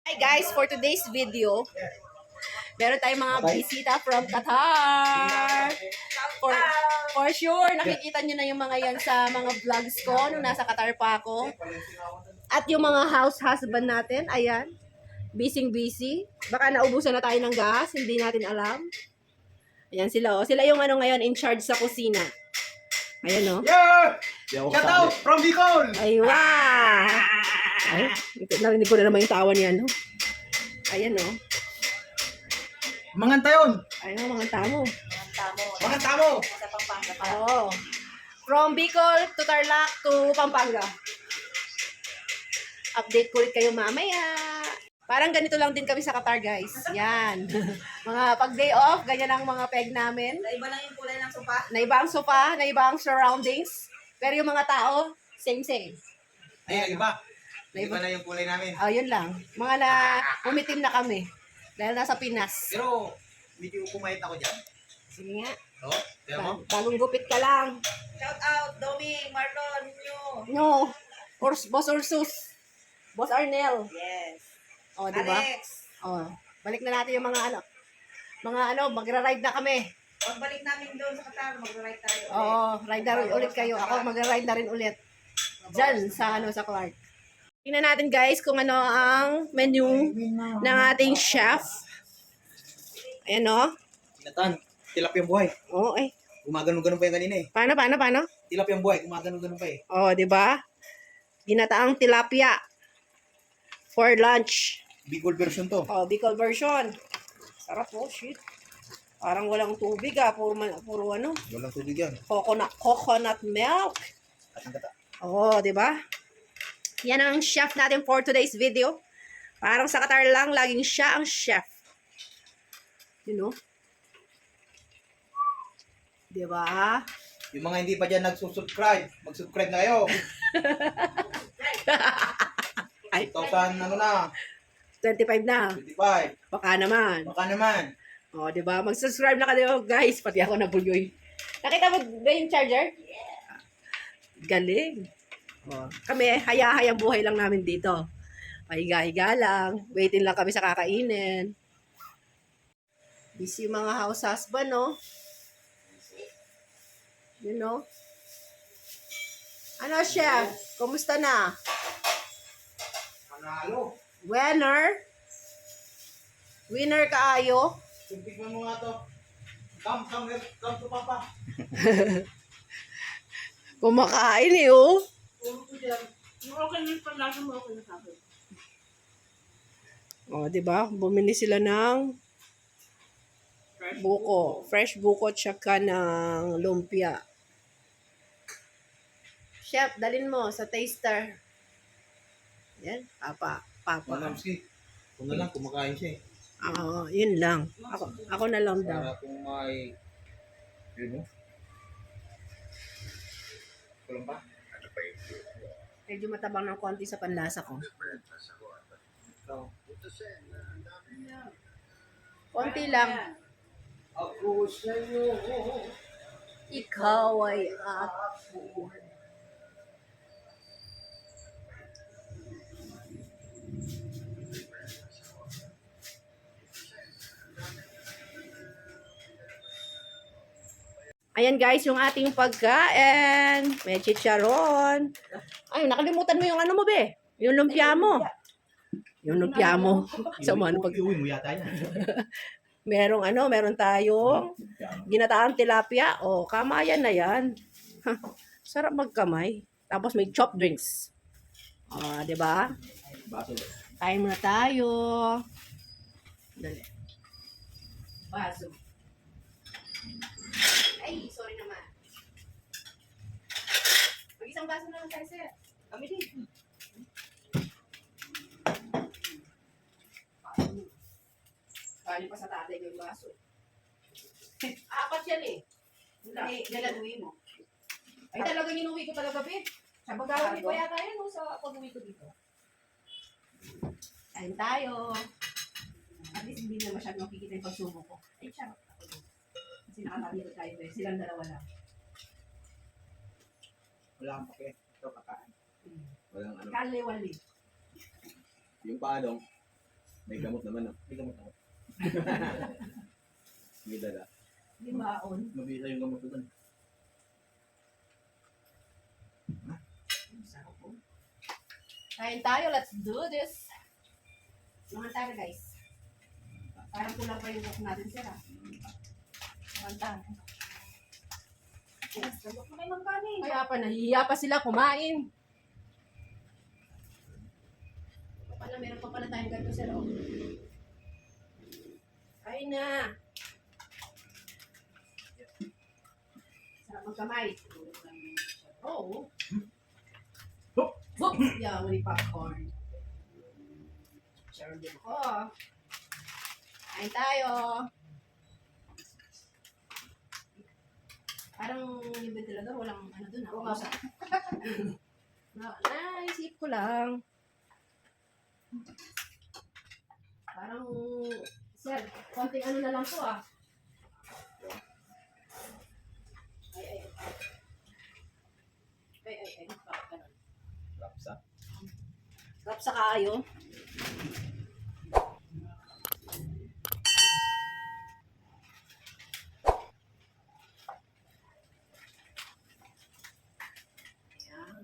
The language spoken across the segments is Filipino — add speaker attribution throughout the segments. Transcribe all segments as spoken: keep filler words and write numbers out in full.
Speaker 1: Hi guys, for today's video, meron tayong mga bisita from Qatar. For, for sure, nakikita nyo na yung mga yan sa mga vlogs ko nung nasa Qatar pa ako. At yung mga house husband natin, ayan, busy-busy. Baka naubusan na tayo ng gas, hindi natin alam. Ayan sila, oh. Sila yung ano ngayon, in charge sa kusina. Ayan, oh.
Speaker 2: Yeah! Shout out from Bicol!
Speaker 1: Aywa! Ay, narinig ko na naman yung tawa niya, no? Ayan, oh.
Speaker 2: Mga tayon!
Speaker 1: Ayun, mga tamo.
Speaker 2: Mga tamo!
Speaker 1: Oo. From Bicol to Tarlac to Pampanga. Update ko ulit kayo mamaya. Parang ganito lang din kami sa Qatar, guys. Yan. Mga pag day off, ganyan ang mga peg namin.
Speaker 3: Naiba lang yung kulay ng sopa.
Speaker 1: Naiba ang sofa, naiba ang surroundings. Pero yung mga tao, same-same.
Speaker 2: Ay, iba.
Speaker 1: Naiba.
Speaker 2: Iba na yung kulay namin.
Speaker 1: Oh, yun lang. Mga na umitim na kami. Dahil nasa Pinas.
Speaker 2: Pero, medyo kumayat ako dyan.
Speaker 1: Sige nga.
Speaker 2: No? Kaya mo?
Speaker 1: Ba- Bagong gupit ka lang.
Speaker 3: Shout out, Domi, Marlon, nyo.
Speaker 1: No. Urs, Boss Ursus. Boss Arnel.
Speaker 3: Yes.
Speaker 1: Oh, di ba?
Speaker 3: Alex,
Speaker 1: Oh, balik na natin yung mga ano. Mga ano, magra-ride na kami.
Speaker 3: pagbalik namin doon sa Qatar, mag-ride tayo.
Speaker 1: Oo, ride na rin ulit kayo. Ako magra-ride na rin ulit. Diyan sa ano sa Clark. Tingnan natin guys kung ano ang menu ng ating chef. Ayan o.
Speaker 2: Tinatan, tilapiyang buhay.
Speaker 1: Oo, eh.
Speaker 2: Gumagano-ganon pa yung kanina eh.
Speaker 1: Paano, paano, paano?
Speaker 2: Tilapiyang buhay, gumagano-ganon pa eh.
Speaker 1: Oh, di ba? Ginataang tilapia for lunch.
Speaker 2: Bicol version to.
Speaker 1: Oh, Bicol version. Sarap po, shit. Parang walang tubig ah, puro, man- puro ano,
Speaker 2: Walang tubig yan.
Speaker 1: coconut, coconut milk.
Speaker 2: At ang gata.
Speaker 1: Oo, di ba? Yan ang chef natin for today's video. Parang sa Qatar lang, laging siya ang chef. You know? Di ba?
Speaker 2: Yung mga hindi pa dyan nagsusubscribe, mag-subscribe na kayo.
Speaker 1: Ay,
Speaker 2: two thousand ano na,
Speaker 1: twenty-five na.
Speaker 2: twenty-five.
Speaker 1: Baka naman.
Speaker 2: Baka naman.
Speaker 1: O, di ba? Mag-subscribe na kayo, guys. Pati ako nabuloy. Nakita mo ba yung charger? Galing. O, kami, haya-hayang buhay lang namin dito. Pahiga-higa lang. Waiting lang kami sa kakainin. Busy yung mga house husband, no? You know? Ano, chef? Kumusta na?
Speaker 2: Panalo.
Speaker 1: Winner? Winner kaayo?
Speaker 2: Tignan mo nga to. Come, come, here. Come to Papa.
Speaker 1: Kumakain eh, oh.
Speaker 2: Puro ko dyan.
Speaker 3: Okay na yung panlasa mo, okay na sa akin.
Speaker 1: O, di ba? Bumili sila ng buko. Fresh buko tsaka ng lumpia. Chef, dalin mo sa taster. Yan, papa. Papa.
Speaker 2: Manamski. Kung na lang, kumakain siya eh.
Speaker 1: Oo, yun lang. Ako, ako na lang daw.
Speaker 2: Para kung may... Yun mo. Kulang pa?
Speaker 1: Medyo matabang ng konti sa panlasa ko.
Speaker 2: Ikaw.
Speaker 1: Konti lang.
Speaker 2: Ako sa'yo.
Speaker 1: Ikaw ay ako. Ayan guys, yung ating pagkain. May chicharon. Ay, nakalimutan mo yung ano mo, be. Yung lumpia mo. Yung lumpia mo. Sa mga ano pag...
Speaker 2: Iuwi mo yata yan.
Speaker 1: Merong ano, meron tayong ginataang tilapia. O, kamayan na yan. Ha, sarap magkamay. Tapos may chopped drinks. O, di ba?
Speaker 2: Baso.
Speaker 1: Kain muna tayo. Dali. Baso. Ay, sorry naman. Mag-isang baso na lang tayo, sir. Kami din. Kali pa sa tatay ko yung baso. Apat yan eh. Hindi, dalaguin mo. Ay, talaga inuwi ko talaga, babe. Sa bagawin ko yata yan, no, sa pag-uwi ko dito. Kain tayo. At least hindi na masyadong makikita yung pagsubo ko. Ay, charot ako. Kasi nakatabi ko tayo, eh. Silang dalawa lang.
Speaker 2: Wala kang pake. Ito kakain.
Speaker 1: Hmm.
Speaker 2: Walang ano.
Speaker 1: Kaliwali.
Speaker 2: Yung paanong,
Speaker 4: May gamot naman, no?
Speaker 2: May gamot ako.
Speaker 4: May dala.
Speaker 1: Limaon.
Speaker 2: Mabisa yung gamot ko dun.
Speaker 1: Sarap po. Kain tayo, let's do this. Mga tayo guys. Parang kulang pa yung cook natin sir ah. Mga tayo.
Speaker 3: Sabot mo na yung kanin.
Speaker 1: Kaya pa, nahihiya pa sila kumain. Pala, meron pa pala tayong ganito sir oh. Kain na. Sarap magkamay. Oo.
Speaker 2: Hop!
Speaker 1: Hop! Yeah, may popcorn. Sharon din ako. Kain tayo. Parang yung ventilador, walang ano dun. Ako nga sa... Naisip ko lang. Parang, sir, konting ano na lang po ah. Ay, ay, ay. Ay, ay, ay. Bakit ganun?
Speaker 4: Rapsa.
Speaker 1: Kap sa kaayo. Ayan.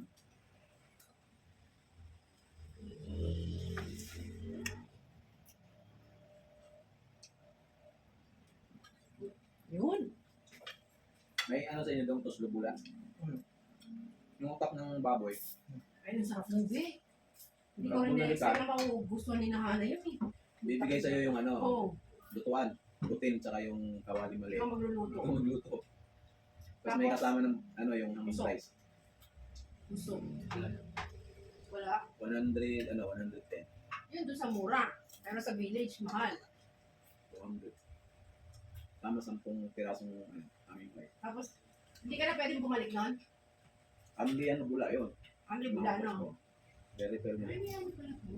Speaker 1: Yun.
Speaker 4: May ano sa inyo doon, tos lubula.
Speaker 2: Hmm.
Speaker 4: Yung utak ng baboy.
Speaker 1: Ay, nasarap ng di. Hindi ko
Speaker 4: Sarap
Speaker 1: rin
Speaker 4: ng
Speaker 1: na-expect na magugustuhan ni Nahana yun eh.
Speaker 4: Bibigay sa'yo yung ano,
Speaker 1: Oo.
Speaker 4: lutuan. Butin, tsaka yung kawali mali.
Speaker 1: Ikaw magluluto.
Speaker 4: Ito magluto. Tapos may kasama ng ano yung
Speaker 1: Gusto.
Speaker 4: price.
Speaker 1: Gusto. Wala.
Speaker 4: one hundred, ano, one hundred ten.
Speaker 1: Yun doon sa mura. Pero sa village, mahal.
Speaker 4: two hundred. Tama sampung pirasong ano, aming price.
Speaker 1: Tapos, hindi ka na pwedeng bumalik nun?
Speaker 4: Amli ano bula yun.
Speaker 1: Ang libula, no?
Speaker 4: Very fair
Speaker 1: Ay,
Speaker 4: na.
Speaker 1: may ano pala po.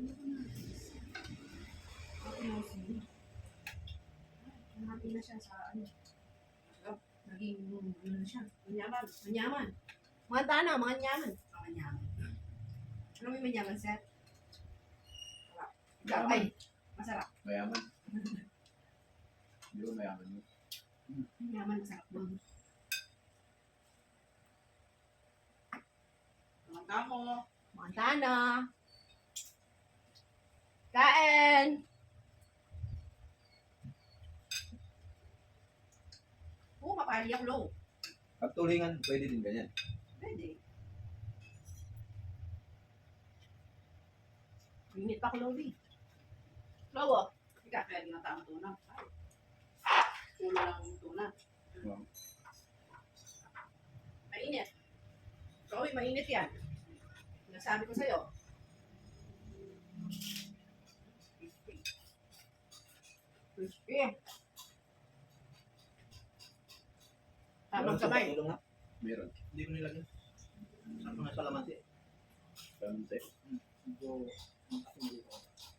Speaker 1: Okay, no, sige. Nahati na siya sa ano. Oh, naging ano na siya. Manyaman. Manyaman. Mga tana, mga nyaman. Mga manyaman. Ano may manyaman, sir? Sarap. Ikaw, ay, masarap.
Speaker 4: Mayaman. Hindi ko mayaman yun.
Speaker 1: Manyaman, masarap doon.
Speaker 3: Mga tamo.
Speaker 1: Mga tana. Kain! Oo, mapaliyak low.
Speaker 4: Pag tulingan, pwede din ganyan.
Speaker 1: Pwede. Minit pa ko low, di. Low, oh.
Speaker 3: Ika, kaya ginatama tuna. Ulo lang yung tuna.
Speaker 4: Wow.
Speaker 1: Mainit. Chloe, mainit yan. Nasabi ko sa'yo. Crispy. Tamang kamay.
Speaker 2: Tulong nga.
Speaker 4: Meron.
Speaker 2: Hindi ko nilagyan. Sa mga salamansi.
Speaker 4: Kamunti.
Speaker 2: Medyo matakin dito.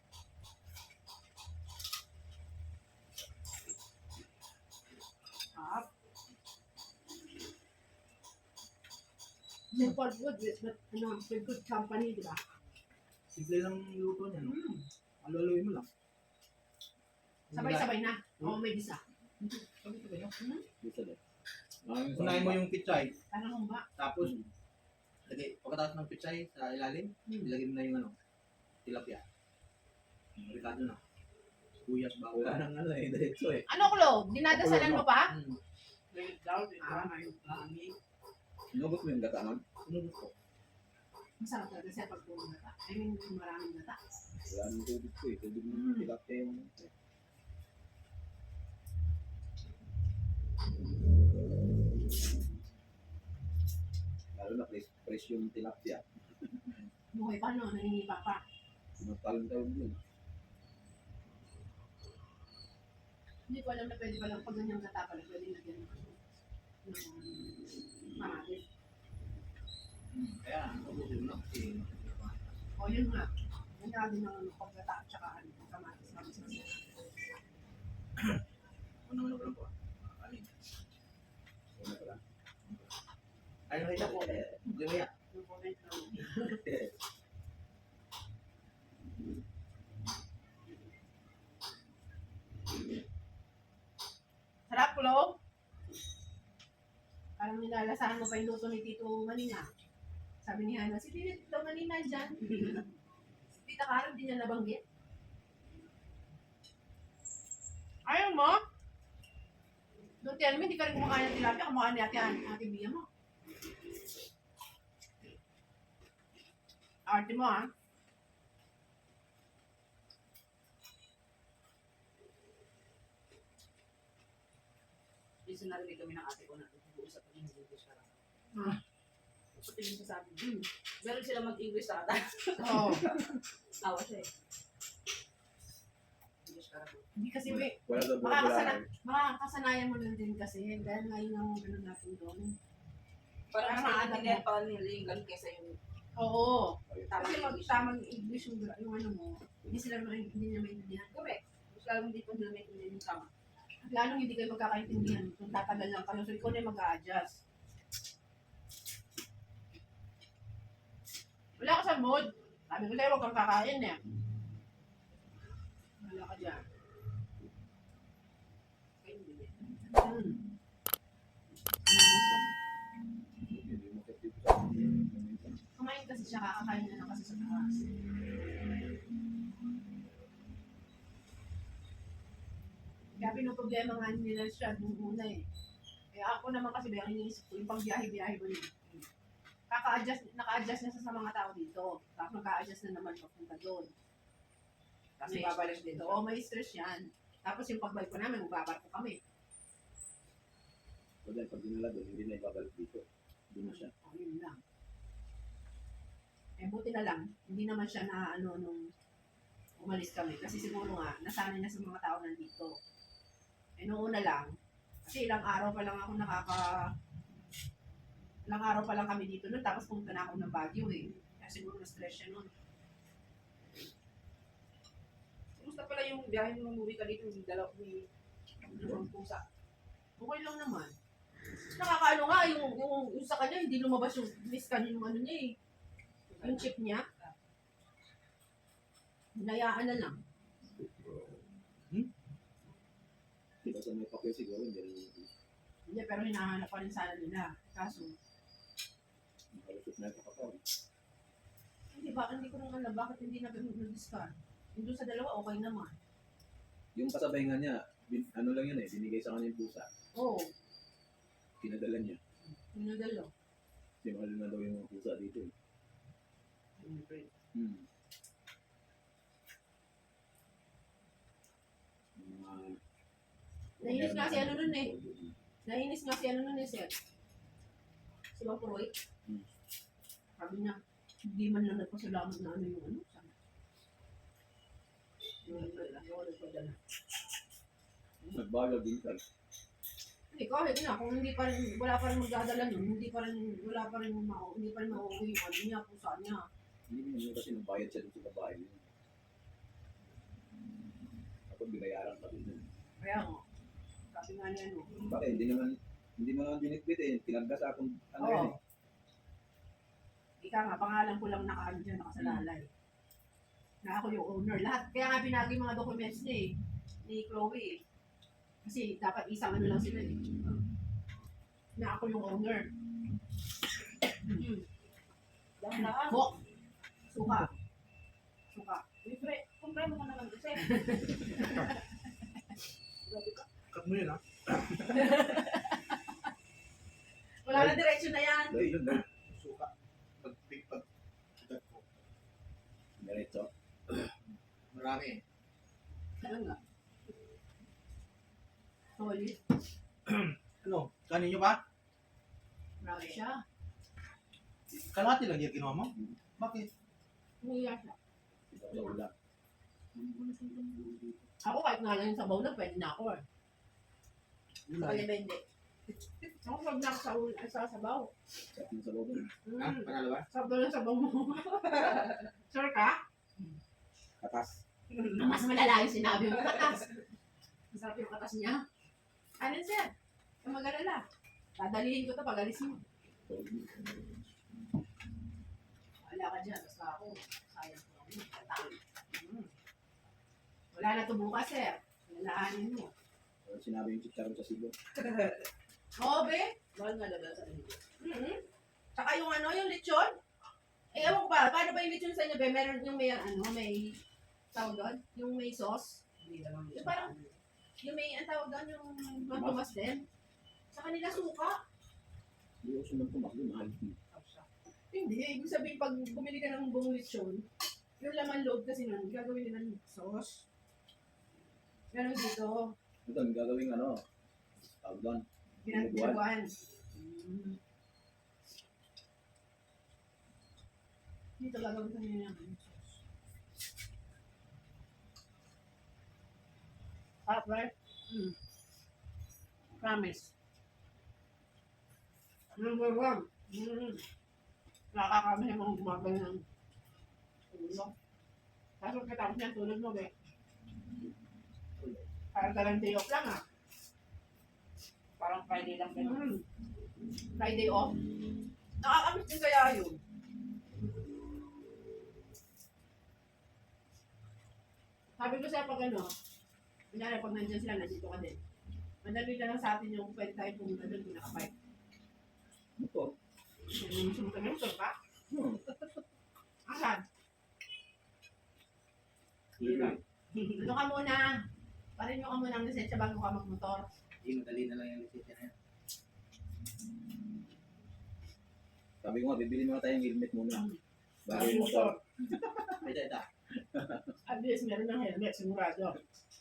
Speaker 1: Up. May good with but ano, may good company, di ba?
Speaker 2: Simple lang yung luto niya, no? Aluluin mo lang.
Speaker 1: Sabay-sabay na. Oo, may bisa.
Speaker 2: Sabay-sabay na.
Speaker 4: Gusto din. Maraming
Speaker 2: Unahin mo yung pichay,
Speaker 1: Parang humba.
Speaker 2: tapos lagay, pagkatapos ng pichay sa ilalim,
Speaker 1: Hmm.
Speaker 2: ilagay mo na yung ano, tilapia. Ricado na. Sibuyas, bawang.
Speaker 4: Wala nang ano eh, diretso eh.
Speaker 1: Ano, Klo? Dinadasalan mo pa?
Speaker 2: Hmm.
Speaker 3: Wait down, di
Speaker 2: Ah,
Speaker 3: ba?
Speaker 2: ayun, lami.
Speaker 4: Inugot mo yung gatangan.
Speaker 2: Sunod ko.
Speaker 1: Masarap talaga siya pag puro gata. I mean, kung maraming gata.
Speaker 4: Wala nang tubig ko eh. Tubig
Speaker 1: Mm.
Speaker 4: ng tilapia yung... Lalo na fresh, fresh yung tilapia.
Speaker 1: Buhay pa, no? Nangingipa pa.
Speaker 4: Matalang tawag yun.
Speaker 1: Hindi ko alam na pwede palang pag ganyang gata pala, pwede lagyan ng ano, ng kamatis.
Speaker 2: Kaya, ubusin mo na. Kasi,
Speaker 1: O, yun nga. Ganda din ng ano, paggata at saka ano, kamatis. Kamatis.
Speaker 2: ano naman ko lang po. Alin.
Speaker 4: Una pala.
Speaker 2: Ay, nakita ko. Hindi mo yan.
Speaker 1: Yung comment lang. Malalasahan mo pa yung luto ni Tito Manina. Sabi ni Hana, si Tito Manina dyan. Si Tita Karen, di niya nabanggit. Ayaw mo? Don't tell me, hindi ka rin kumakain ng tilapia. Kumakain ni ate, ate Bia mo. Arte mo, ha?
Speaker 3: Minsan narinig kami ng ate ko na nag-uusap kami ng English ka lang.
Speaker 1: Ah.
Speaker 3: Pati yung sasabi, hmm, meron sila mag-English sa ata.
Speaker 1: Oo.
Speaker 3: Tawa siya eh. English ka lang.
Speaker 1: Hindi kasi, may,
Speaker 4: Wala sa
Speaker 1: makakasana,
Speaker 4: vocabulary.
Speaker 1: makakasanayan mo lang din kasi. Dahil ngayon ang ganun natin doon.
Speaker 3: Parang
Speaker 1: Parang
Speaker 3: mas
Speaker 1: maalam
Speaker 3: maintindihan pa nila yung ganun kaysa yung
Speaker 1: Oo.
Speaker 3: tamang
Speaker 1: Kasi mag
Speaker 3: English.
Speaker 1: tamang English yung, yung ano mo, hindi sila may- hindi niya maintindihan.
Speaker 3: Correct. Mas lalong hindi pa nila maintindihan yung tama.
Speaker 1: At lalong hindi kayo magkakaintindihan kung tatagal lang kayo. So, ikaw na yung mag-a-adjust. Wala ka sa mood. Sabi ko sa'yo, huwag kang kakain eh. Wala ka dyan.
Speaker 3: Kaya hindi.
Speaker 1: Hmm.
Speaker 4: Hindi mo kasi dito sa akin.
Speaker 1: Kumain kasi siya, kakakain na lang kasi sa taas. Kaya pinoproblema nga nila siya nung una eh. Kaya ako naman kasi bayang iniisip ko yung pang-biyahe-biyahe ba niya. Kaka-adjust, naka-adjust na siya sa mga tao dito. Tapos naka-adjust na naman papunta doon. Kasi
Speaker 3: May
Speaker 1: babalik
Speaker 3: stress
Speaker 1: dito.
Speaker 3: din.
Speaker 1: Oo, may stress yan. Tapos yung pagbalik ko namin, magbabarko kami.
Speaker 4: So dahil pag dinala doon, hindi na ibabalik dito. Hindi na siya.
Speaker 1: O, yun lang. Eh, buti na lang. Hindi naman siya na ano nung umalis kami. Kasi siguro nga, nasanay na sa mga tao nandito. Eh, noong una lang, kasi ilang araw pa lang ako nakaka... Ilang araw pa lang kami dito nun, tapos pumunta na ako ng Baguio eh. Kaya siguro na-stress siya nun.
Speaker 3: Kumusta pala yung biyahe mo umuwi ka dito yung dalaw ni dalawang pusa?
Speaker 1: Okay lang naman. Nakakaano nga, yung, yung, yung sa kanya, hindi lumabas yung miskan yung ano niya eh. Yung chip niya. Hinayaan na lang.
Speaker 4: Diba sa may papel siguro, hindi rin yung
Speaker 1: Hindi, pero hinahanap pa rin sana nila. Kaso,
Speaker 4: makalusot na ito kapag.
Speaker 1: hindi ba, hindi ko nang alam bakit hindi na nag-discard. Yung doon sa dalawa, okay naman.
Speaker 4: Yung kasabay nga niya, bin, ano lang yun eh, binigay sa kanya yung pusa.
Speaker 1: Oo,
Speaker 4: Pinadala niya.
Speaker 1: yung nadalo.
Speaker 4: Kasi mahal na daw yung mga pusa dito eh. Hmm. Yung mga...
Speaker 1: Nainis nga si ano nun eh. Nainis nga si ano nun eh, sir. Si Mang Puroy.
Speaker 4: Hmm.
Speaker 1: Sabi niya, hindi man lang nagpasalamat na ano yung ano. Sabi. Yung yung nagpadala.
Speaker 4: Nagbagal din ka.
Speaker 1: Hindi, kahit na, kung hindi pa rin, wala pa rin magdadala nun, hindi pa rin, wala pa rin, ma- hindi pa rin mauwi yung ano niya, kung saan niya.
Speaker 4: Hindi mo yun kasi nagbayad siya dun sa babae niya. Kapag binayaran pa din.
Speaker 1: Kaya nga, sabi nga niya, ano,
Speaker 4: Bakit? Hindi naman, hindi mo naman binitbit eh. Tinagdas akong ano
Speaker 1: Oo.
Speaker 4: yun eh.
Speaker 1: ika nga, pangalan ko lang nakaano dyan, nakasalalay. Na ako yung owner. Lahat, kaya nga pinagi yung mga documents niya eh, ni Chloe eh. Kasi dapat isang ano lang sila eh. Na ako yung owner. Mm.
Speaker 3: Dahan-dahan.
Speaker 1: Ho! Suka. Suka.
Speaker 3: Libre. Kumpre mo ka naman kasi. Grabe ka.
Speaker 2: Cut mo yun, ha?
Speaker 1: Wala na direksyon na yan.
Speaker 4: Dahil yun, dahil.
Speaker 2: Suka. Pag, pag, pag, pag, ko.
Speaker 4: Diretso.
Speaker 2: Marami.
Speaker 1: Ano nga? Solid.
Speaker 2: Ano? Kanin nyo ba?
Speaker 1: Marami siya.
Speaker 2: Kalahati lang yung ginawa mo? Bakit?
Speaker 1: Umiyak siya.
Speaker 4: Ito sa ulam.
Speaker 1: Ako kahit nga lang yung sabaw na, pwede na ako eh. Sa kanya ba hindi? Ako pag na ako sa, ul- sa sabaw.
Speaker 4: Sarap ng sabaw doon.
Speaker 2: Ha?
Speaker 1: Mm.
Speaker 2: Panalo ba?
Speaker 1: Sabaw na sabaw mo. Sure ka?
Speaker 4: Katas.
Speaker 1: Mas malala yung sinabi mo katas. Masarap yung katas niya. Ano siya? Kung mag-alala. Dadalihin ko to pag alis mo. Wala ka dyan. Basta ako. Sayang ko. Katang. Mm. Wala na to bukas, sir. Lalaanin mo.
Speaker 4: Sinabi yung chicharon sa sibo.
Speaker 1: Oo, be.
Speaker 3: Mahal nga daw sa inyo.
Speaker 1: Mm-hmm. Saka yung ano, yung lechon. Eh, ewan ko ba, paano ba yung lechon sa inyo, be? Meron yung may, ano, may, tawag doon? Yung may sauce.
Speaker 3: Hindi naman.
Speaker 1: Yung parang, yung may, ang tawag doon, yung matumas din. Sa kanila suka.
Speaker 4: Hindi ako sumagpumak doon. Mahal.
Speaker 1: Hindi, ibig sabihin, pag bumili ka ng buong lechon, yung laman loob kasi nun, gagawin nila ng sauce. Ganon dito,
Speaker 4: Ito, ang gagawing ano. Tawag doon.
Speaker 1: pinagbuwan. Dito gagawin kami ng ano, sauce. Sarap, right? Mm. Promise. Number one. Mm. Nakakakami yung mga gumagay ng tulog. Tapos katapos niya tulog mo, be. Parang talang day off lang, ah.
Speaker 3: Parang Friday lang ganun.
Speaker 1: Mm. Friday off. Nakakamiss din kaya yun. Sabi ko sa'yo pag ano, kunyari pag nandiyan sila, nandito ka din. Madali na lang sa atin yung pwede tayo pumunta doon kung nakabike.
Speaker 4: Ito.
Speaker 1: Yung sumunta ng motor ka?
Speaker 4: Hmm.
Speaker 1: Asan?
Speaker 4: Libre.
Speaker 1: Ano ka muna? Parin nyo ka muna ang lisensya bago ka magmotor.
Speaker 2: Hindi, madali na lang yung lisensya na yan.
Speaker 4: Sabi ko nga, bibili muna tayong helmet muna. Bago
Speaker 1: Bago
Speaker 4: yung motor.
Speaker 2: Ay, da, da.
Speaker 1: At least meron ng helmet, sigurado.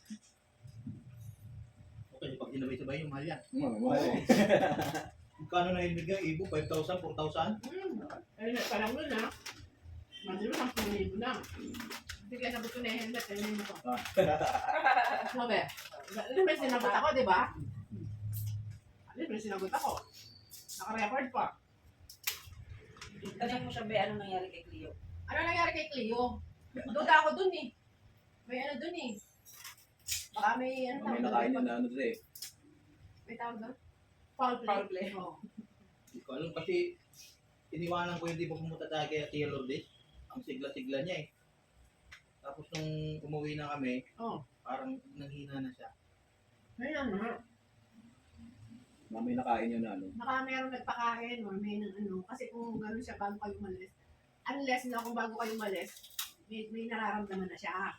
Speaker 2: Okay, pag sinabay-sabay yung mahal yan.
Speaker 4: Hmm, mahal eh.
Speaker 2: Magkano na helmet yung ibo? five thousand, four thousand?
Speaker 1: Hmm. Helmet pa lang nun, ha? Mali mo, sampung libo na. Sige, sabi ko na yung helmet, ayun mo ko. Sabi, ano may sinagot ako, di ba? Ano may sinagot ako? Naka-record pa.
Speaker 3: Tanong mo siya, Be, ano nangyari kay Cleo?
Speaker 1: Ano nangyari kay Cleo? Duda ako dun eh. May ano dun eh. Baka may ano
Speaker 4: May
Speaker 1: tawag
Speaker 4: nakain
Speaker 1: doon?
Speaker 4: yun na ano doon eh.
Speaker 1: May tawag doon? Foul play.
Speaker 3: Foul play.
Speaker 1: Oo.
Speaker 2: Hindi ko alam kasi iniwanan ko hindi pa pumunta tayo kay Tia Lourdes. Ang sigla-sigla niya eh. Tapos nung umuwi na kami,
Speaker 1: Oo.
Speaker 2: parang nanghina na siya.
Speaker 1: Ayun na.
Speaker 4: Na may nakain yun na ano.
Speaker 1: Baka mayroong nagpakain or may nang ano. Kasi kung gano'n siya bago kayo umalis. Unless na kung bago kayo umalis, may, may nararamdaman na siya.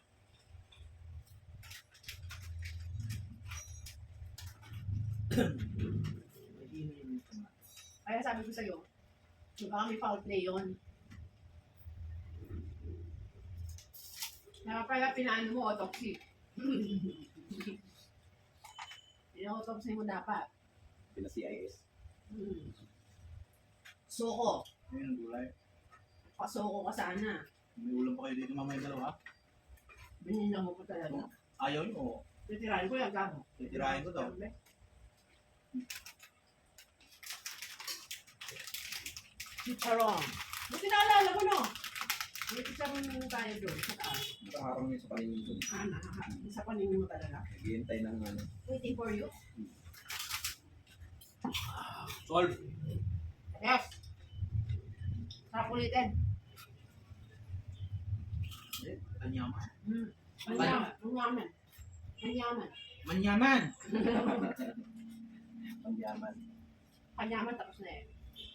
Speaker 2: Mahina yung sama.
Speaker 1: Kaya sabi ko sa'yo, baka may foul play yun. Kaya pala pinaano mo, autopsy. Pina-autopsy mo dapat.
Speaker 4: Pina C I S.
Speaker 1: Hmm. Suko.
Speaker 2: Ayun ang gulay.
Speaker 1: Pasuko ka sana.
Speaker 2: May ulam pa kayo dito mamaya dalawa.
Speaker 1: Binila mo pa talaga.
Speaker 2: Ayaw nyo.
Speaker 1: Titirahin ko yan, gamo.
Speaker 2: Titirahin ko to.
Speaker 1: Chicharon. Buti naalala ko, no? May chicharon na tayo doon sa taas.
Speaker 4: Nakaharang yun sa paningin doon.
Speaker 1: Ah, nakaka. Isa paningin mo talaga.
Speaker 4: Naghihintay ng ano.
Speaker 1: Waiting for you.
Speaker 2: Solve.
Speaker 1: Yes. Sarap ulitin.
Speaker 2: Kanyaman.
Speaker 1: Hmm. Manyaman. Manyaman. Manyaman.
Speaker 2: Manyaman.
Speaker 4: Pangyaman.
Speaker 1: Kanyaman tapos na eh.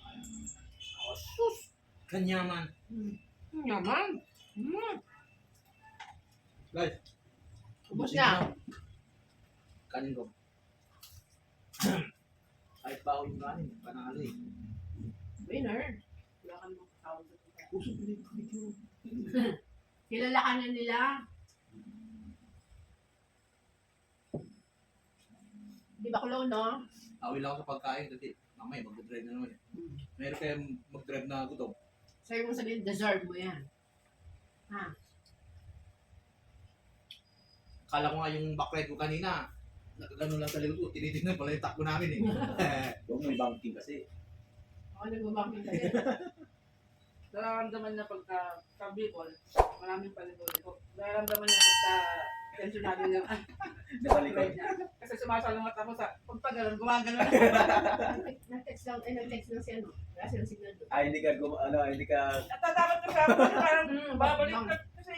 Speaker 2: Kanyaman.
Speaker 1: Hmm. Manyaman. Hmm.
Speaker 2: Guys.
Speaker 1: Ubus na.
Speaker 2: Kanin ko. Kahit ba ako yung kanin, panalo eh.
Speaker 1: Winner. Wala ka namang kakawag sa tuta.
Speaker 2: Puso pinipicture.
Speaker 1: Kilala ka na nila. Di ba kulo, no?
Speaker 2: Awil ako sa pagkain kasi mamaya mag-drive na naman eh. Meron kayo mag-drive na gutom.
Speaker 1: Sa'yo mong sabihin, deserve mo yan. Ha?
Speaker 2: Akala ko nga yung backride ko kanina, nakagano lang sa likod ko, tinitignan pala yung takbo namin eh.
Speaker 4: Huwag may banking kasi.
Speaker 1: Ako nagbabanking ka din.
Speaker 3: Nararamdaman niya pagka sa Bicol, maraming palito-lito. Nararamdaman niya pagka tensionado niya.
Speaker 4: Nasa likod.
Speaker 3: niya. Kasi sumasalungat ako sa pagpagalan, gumagano na.
Speaker 1: Nag-text lang, eh, nag-text lang si ano. Wala silang signal doon.
Speaker 4: Ah, hindi ka, gum- ano, hindi ka,
Speaker 3: Natatakot ko siya kasi parang
Speaker 1: Mm,
Speaker 3: babalik
Speaker 1: bang-
Speaker 3: ka kasi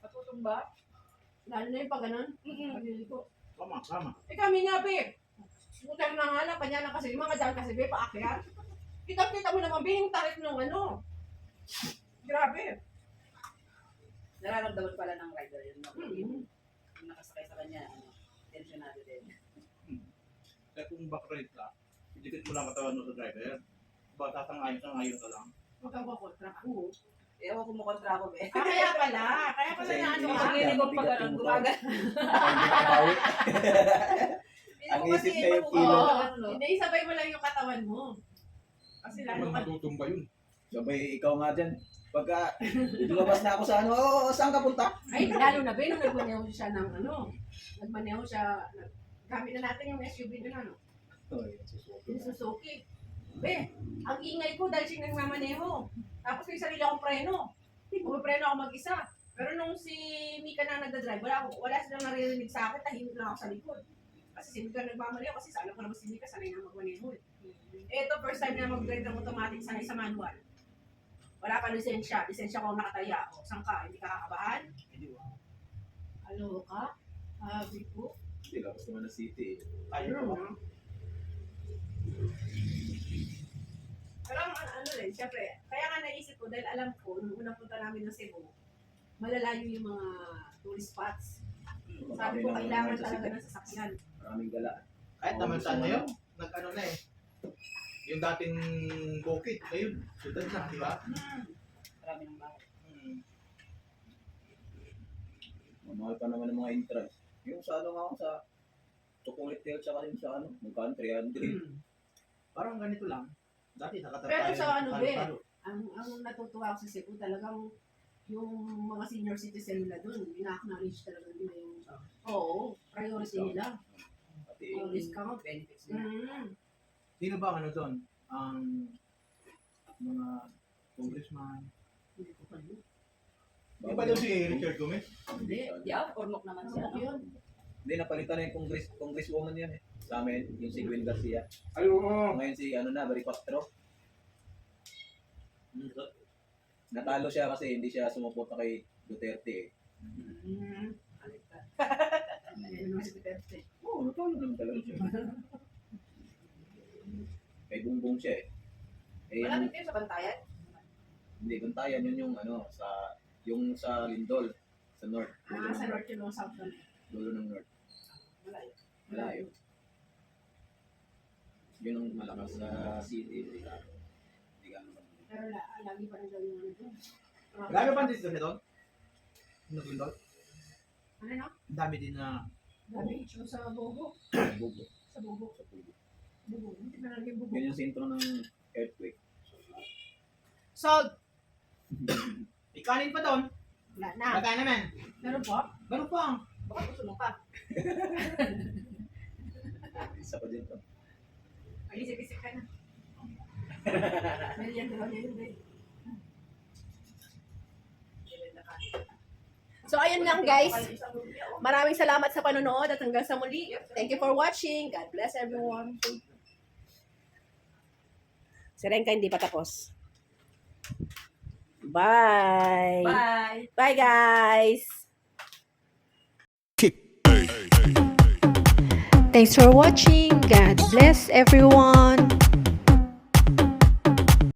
Speaker 3: matutumba.
Speaker 1: Lalo na yung pag ganun.
Speaker 3: Mm-mm.
Speaker 1: Pag ko.
Speaker 2: Tama, tama.
Speaker 1: Eh kami nga, be. Scooter na nga lang, kanya na kasi, yung mga dyan kasi, be, paakyat. Kita-kita mo naman, be, yung tarik nung ano. Grabe.
Speaker 3: Nararamdaman pala ng rider yun. No?
Speaker 1: Mm-hmm.
Speaker 3: Yung nakasakay sa kanya, ano, tensionado din.
Speaker 2: Kaya kung backride ka, idikit mo lang katawan mo sa driver. Ba, tatangayin ka ngayon ka lang.
Speaker 1: Huwag kang kukontra ako.
Speaker 3: Ewan ko mukontra ko, be.
Speaker 1: Ah, kaya pala. Kaya pala
Speaker 4: Kasi
Speaker 1: na ano
Speaker 4: hindi
Speaker 1: ka.
Speaker 3: Ang hilig ko pag ano, gumagal.
Speaker 4: Bawi. Ang isip na yung kilo.
Speaker 1: Oo. Hindi, sabay mo lang yung katawan mo. Kasi lalo
Speaker 2: Naman
Speaker 1: ka.
Speaker 2: matutumba yun.
Speaker 4: Sabay, ikaw nga dyan. Pagka lumabas na ako sa ano, oh, saan ka punta?
Speaker 1: Ay, lalo na, be, nung nagmaneho siya ng ano. Nagmaneho siya. Gamit na natin yung S U V na ano.
Speaker 4: Oy, susuko
Speaker 1: Yung
Speaker 4: na.
Speaker 1: Suzuki. Be, ang ingay ko dahil siya nagmamaneho. Tapos may sarili akong preno. Pumipreno ako mag-isa. Pero nung si Mika na nagdadrive, wala, wala silang naririnig sa akin, tahimik lang ako sa likod. Kasi si Mika nagmamaneho, kasi sa alam ko naman si Mika, sanay na magmaneho. Eh. Ito, first time na mag-drive ng automatic, sanay sa manual. Wala pa lisensya. Lisensya ko nakataya. O, saan ka? Hindi ka kakabahan? Alo ka? Sabi ko.
Speaker 4: Hindi, tapos naman na city. eh.
Speaker 1: Ayun na. Pero ang ano, ano rin, syempre, kaya nga naisip ko, dahil alam ko, nung unang punta namin ng Cebu, malalayo yung mga tourist spots. Sabi ko,
Speaker 4: Marami
Speaker 1: kailangan
Speaker 4: naman sa
Speaker 1: talaga
Speaker 4: city.
Speaker 1: ng sasakyan.
Speaker 4: Maraming gala.
Speaker 2: Kahit
Speaker 4: Oo,
Speaker 2: naman
Speaker 4: gusto
Speaker 2: saan
Speaker 4: mo
Speaker 2: na yun,
Speaker 4: na.
Speaker 2: nag-ano na eh. Yung dating bukid, ayun, sudad na, di ba?
Speaker 1: Hmm.
Speaker 3: Marami ng bahay.
Speaker 2: Hmm.
Speaker 4: Mamahal pa naman ng mga entrance. Yung sa ano nga ako sa Chocolate Hill tsaka yung sa ano, magkano three hundred.
Speaker 2: Parang ganito lang. Dati nakatapay.
Speaker 1: Pero sa ano, be, ang, ang natutuwa ako sa Cebu, talagang yung mga senior citizen nila doon, ina-acknowledge talaga nila yung, oo, priority nila.
Speaker 4: Pati
Speaker 1: Oh, discount.
Speaker 3: Benefits nila.
Speaker 1: Mm.
Speaker 2: Sino ba ang ano doon? Ang mga congressman.
Speaker 1: Hindi ko pa yun.
Speaker 2: Di ba daw si Richard Gomez?
Speaker 1: Hindi.
Speaker 3: Yeah, ornok naman siya.
Speaker 1: Ano
Speaker 3: No?
Speaker 1: yun?
Speaker 4: Hindi, napalitan na yung congress, congresswoman yan eh. Sa amin, yung si Gwen Garcia.
Speaker 2: Ay, oo.
Speaker 4: Ngayon si ano na, Baripastro. Natalo siya kasi hindi siya sumuporta kay Duterte eh.
Speaker 1: Mm. Ano naman si Duterte?
Speaker 4: Oo, natalo naman talaga siya. Kay Bungbong siya eh. Eh,
Speaker 3: Wala
Speaker 4: yung,
Speaker 3: din kayo sa bantayan?
Speaker 4: hindi, bantayan yun yung ano, sa, yung sa Lindol, sa North. Dulo
Speaker 1: Ah, sa
Speaker 4: ng
Speaker 1: North yun o South yun.
Speaker 4: Dulo ng North.
Speaker 1: Malayo.
Speaker 4: Malayo. Yun ang malakas sa city. Hindi ka, hindi ka ano.
Speaker 1: Pero la, lagi pa rin daw yung ano doon. Ah,
Speaker 2: Grabe pa din doon? Nagundol?
Speaker 1: Ano no?
Speaker 2: Ang dami din na
Speaker 1: Dami. Yung sa Bogo.
Speaker 4: Bugo.
Speaker 1: Sa Bogo. Bogo. Hindi na lang yung Bogo.
Speaker 4: Yun yung sentro ng earthquake.
Speaker 2: salt. Ikanin pa doon.
Speaker 1: Wala na.
Speaker 2: Magkano naman?
Speaker 1: Meron po?
Speaker 2: Ganun pa.
Speaker 1: Baka gusto mo pa.
Speaker 4: Isa pa din to.
Speaker 1: Ay, isip-isip ka na. Merienda daw niya yun, eh. So, ayun lang guys. Maraming salamat sa panonood at hanggang sa muli. Thank you for watching. God bless everyone. Si Renka hindi pa tapos. Bye.
Speaker 3: Bye!
Speaker 1: Bye guys.
Speaker 5: Thanks for watching. God bless everyone.